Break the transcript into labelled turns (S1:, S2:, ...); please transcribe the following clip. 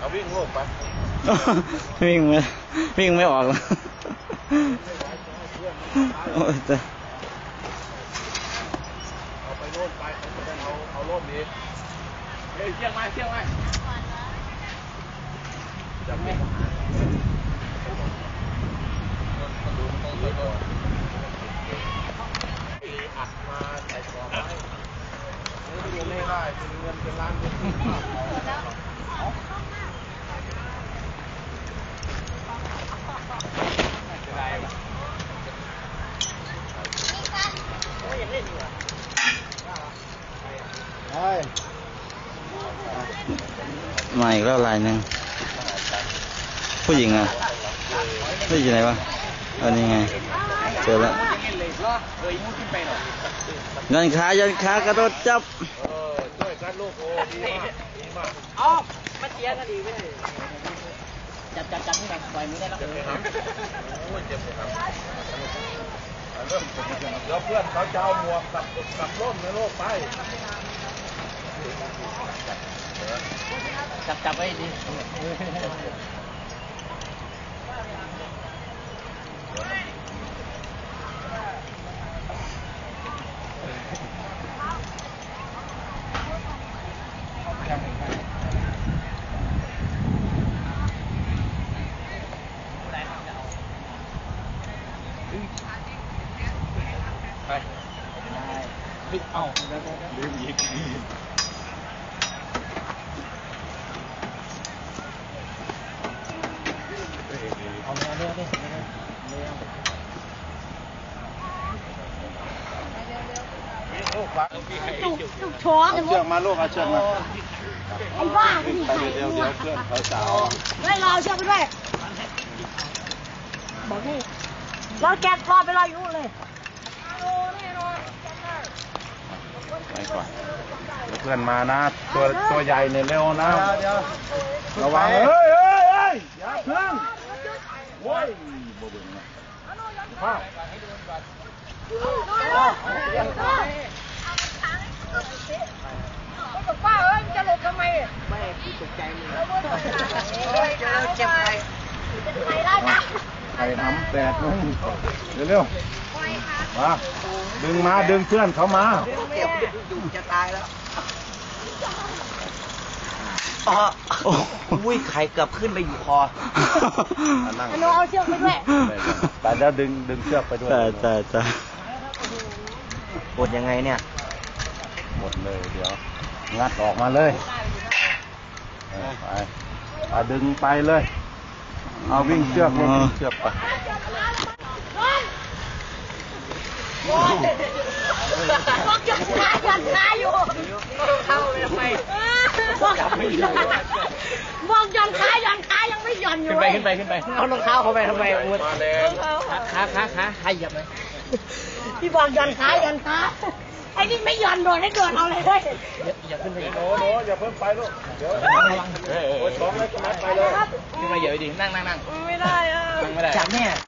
S1: เอาวิ่งโลกไป
S2: วิ่งไม่ออกแล้วโอ้ยแต่
S1: เอาไปโน่นไปเอาโล่มดีเฮ้ยเชี่ยงไหมจับไม่อัดมาใส่กรอบไว้ไม่ได้เป็นเงินเป็นล้านเป็น
S2: มาอีกแล้วลายหนึ่งผู้หญิงอ่ะผู้หญิงไหนวะอันนี้ไงเจอแล้วยันขากระโดดจับ
S1: ช่วยกันลูกโอ้ดีมาก
S3: อ๋อมาเชียร์กันดีไม่ได้จับนี่แบบปล่อยมือได้แล้ว
S1: โอ้ยเจ็บเลยครับเริ่มแล้วเพื่อนเขาจะเอาหมวกกับร่มในโลกไป
S3: จับไว้ดีไปเอาลืมอีกเอาเร็ว
S4: จุกช้อน
S1: เชือกมาลูกเอาเชือกมา
S4: ไอ้บ้า
S1: ไปเดี๋ยวเพื่อนเขาสาว
S4: ไม่รอเชือกไปด้วยบอกนี่รอแกะรอไปรออยู่เลย
S1: ไปก่อนเพื่อนมานะตัวใหญ่เนี่ยเร็วนะระวังเฮ้ยอย่าพึ่งโว้ยบ่เบิ่งนะพ่อ
S4: ป้าเอ้ยจะหลบทำไม
S3: ไม่ตกใจเลย
S4: เจ็บไปไปได้นะ
S1: ไข่น้ำแตกมึงเร็วๆมาดึงเพื่อนเขามา
S3: ดูจะตายแล้วอุ้ยไข่เกือบขึ้นไปอยู่คอ
S4: หนูเอาเชือกไปด้วย
S1: แต่แล้วดึงเชือกไปด้วย
S2: แต่
S3: กดยังไงเนี่ย
S1: หมดเลยเดี๋ยวงัดออกมาเลยไปดึงไปเลยเอาวิ่งเชือกไป
S4: บอกยันขาอยู่
S3: เข้าเลยทำไม
S4: บอกยันขายังไม่หย่อนอยู่
S3: ขึ้นไปเอารองเท้าเข้าไปทำไมขาเหยียบไหม
S4: พี่บอกยันขาไอ้นี่ไม่หย่อนโดนให้โดนเอาเลย
S3: อย่าขึ้นไป
S1: โน้อย่าเพิ่งไปลูกเดี๋ยวโอ้ยท้องแล้วก็มัดไปเลย
S3: ขึ้นมาเหยียบดีนั่ง
S4: ไม่ได้
S3: นั่งไม่ได้จับเนี่ย